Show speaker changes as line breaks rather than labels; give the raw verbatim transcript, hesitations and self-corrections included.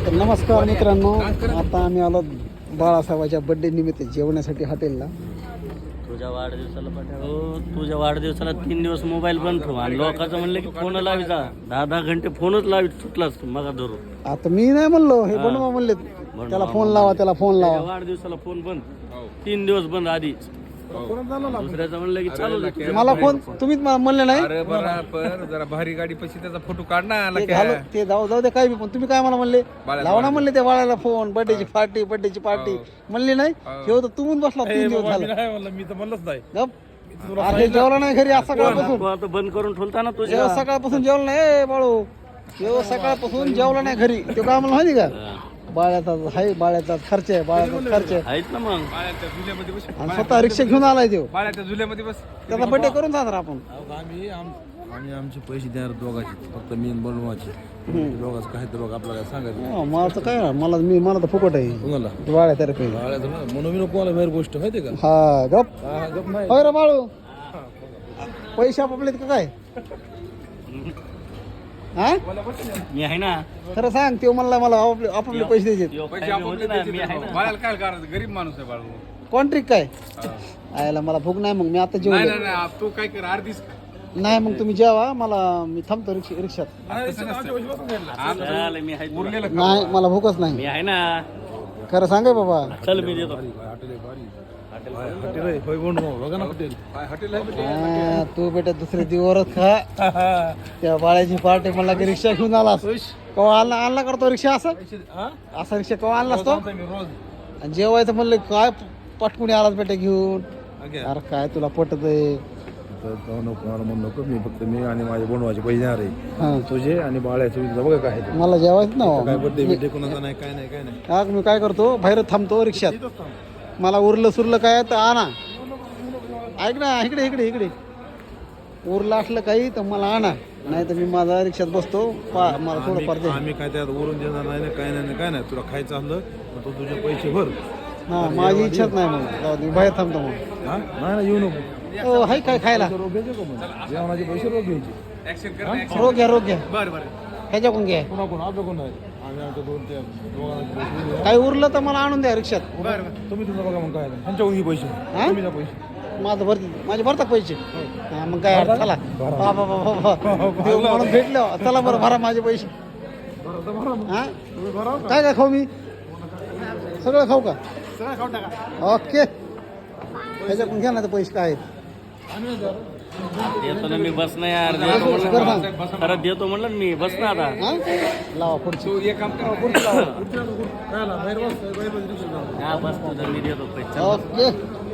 तर नमस्कार मित्रांनो, आता आम्ही आलो बाळासाहेबाच्या बर्थडे निमित्त जेवण्यासाठी हॉटेलला.
तुझ्या वाढदिवसाला पाठव तुझ्या वाढदिवसाला तीन दिवस मोबाईल बंद ठेव आणि लोकांचं म्हणलं की फोन लावायचा दहा दहा घंटे फोनच लावित सुटलाच मग धरून.
आता मी नाही म्हणलो, हे बनवा म्हणले त्याला फोन लावा, त्याला फोन लावा.
वाढदिवसाला फोन बंद, तीन दिवस बंद आधी. दुसऱ्याचं म्हणलं की चालू दे.
मला फोन तुम्हीच मला म्हणले नाही.
अरे बरोबर, जरा भारी गाडी पशी त्याचा फोटो काढ ना.
ते घालू, ते जाऊ जाऊ दे, काय बी. पण तुम्ही काय मला म्हणले, लावा ना म्हणले त्या बाळाला फोन, बर्थडेची पार्टी बर्थडेची पार्टी म्हणली नाही. हे होतं तुम्ही बसला तीन दिवस झालं.
मी तर म्हणलंच नाही.
गप अरे जेवला नाही घरी आज सकाळपासून.
तू आता बंद करून ठेवता ना तुझ्या.
जेव्हा सकाळपासून जेवलं नाही ए बाळू, जेव्हा सकाळपासून जेवला नाही घरी. तो काय मला माहिती का, बाळ्याचा आहे, बाळ्याचा खर्च आहे, बाळ्याचा खर्च आहे.
आहेत ना मग.
बाळ्याच्या झुल्यामध्ये बस.
आणि स्वतः रिक्षा घेऊन आलाय तो.
बाळ्याच्या झुल्यामध्ये बस.
त्याचा बर्थडे करून जाणार आपण.
आम्ही आम्ही आमचे पैसे देणार दोघांचे, फक्त मी आणि बनवायचे. दोघांचं काय तर बघ आपल्याला काय सांगायचं.
हो, मला तर काय, मला मी मला तर फुकट आहे.
तुम्हाला
बाळ्या तर्फे.
बाळाचं ना म्हणून मी नको मला बाहेर गोष्ट माहिती का.
हा गप
हा गप नाही.
होय रे बाळू, पैसे आपले का काय? हा
मी आहे ना.
खरं सांग, तो म्हणला मला आपले आपापले पैसे द्यायचे.
यो,
पैसे
काय
आपण
होते ना, मी आहे ना.
बाळाला काय करायचं, गरीब माणूस आहे बाळू.
कोण ट्रिक काय आयला, मला भूक नाही. मग मी आता
नाही
जेवण
नाही नाही, तू काय कर अर्धीच.
नाही. मग तुम्ही जेवा, मला मी थांबतो रिक्षा रिक्षात.
चालेल, मी आहे तुला.
उरलेलं
नाही, मला भूकच नाही.
मी आहे ना.
खरं सांगाय बाबा.
चल मी देतो.
हॉटेल आहे, होय बनवा बघा ना हॉटेल.
काय हॉटेल आहे.
हा, तू बेटा दुसरे दिवस खा. त्या बाळ्याची पार्टी मला की रिक्षा घेऊन आलास. कवा आणला आणला करतो रिक्षा असं असा रिक्षा कवा आणलास तो. आणि जेवायचं म्हणलं काय पटकुणी आलास बेटा घेऊन. अरे काय तुला पटत आहे.
नको मला म्हणू नको, मी फक्त मी आणि माझे बनवायचे पैसे देणार आहे.
हा,
तुझे आणि बाळाचे तुझं बघा काय आहे ते.
मला जेवायचं
काय
ना.
बड्डे बिड्डे कोणाचा नाही, काय नाही काय नाही.
हा, मी काय करतो, बाहेर थांबतो रिक्षात. मला उरलं सुरलं काय तर आणा. ऐक ना, इकडे इकडे इकडे उरलं असलं काही तर मला आणा, नाही तर मी माझा रिक्षात बसतो. पा मला थोडं फार दे.
आम्ही काय त्यात वरून देणार नाही ना, काय नाही ना, काय नाही. तुला खायचं असलं तर तू तुझे पैसे भर.
हा, माझी इच्छाच नाही. मग जाऊ दे, बाहेर थांबतो मग.
हा नाही ना, येऊ नको.
हो, हाय काय खायला.
रोग घ्यायचे का मग, जेवणाचे पैसे रोग घ्यायचे.
ऍक्शन कर ना.
रोग घ्या, रोग घ्या.
बरं बरं.
ह्याच्याकडून घ्या.
कोणा कोण आपलं कोण नाही. आम्ही आमच्या दोन ते दोघांचे पैसे देऊ.
काही उरलं तर मला आणून द्या रिक्षात.
बरं बरं.
तुम्ही तुझं बघा मग काय नाही. त्यांच्याकडून घे पैसे.
हा?
तुम्ही द्या पैसे.
माझं भरती माझे भरतात पैसे. हा, मग काय अडचण. चला बाबा बाबा देव म्हणून भेटलो. चला बरं, भरा माझे पैसे. हा, काय काय खाऊ मी, सगळं खाऊ का? ओके, ह्याच्याकडून घ्या ना ते पैसे काय आहेत.
देतो ना मी, बस ना यार. देतो
बरं
म्हणलं.
सांग.
खरं देतो म्हणलं ना मी, बस ना आता.
हा, लावा पुढची.
तू एक काम कर.
हा बस तुझं, मी देतो पैसे.
ओके.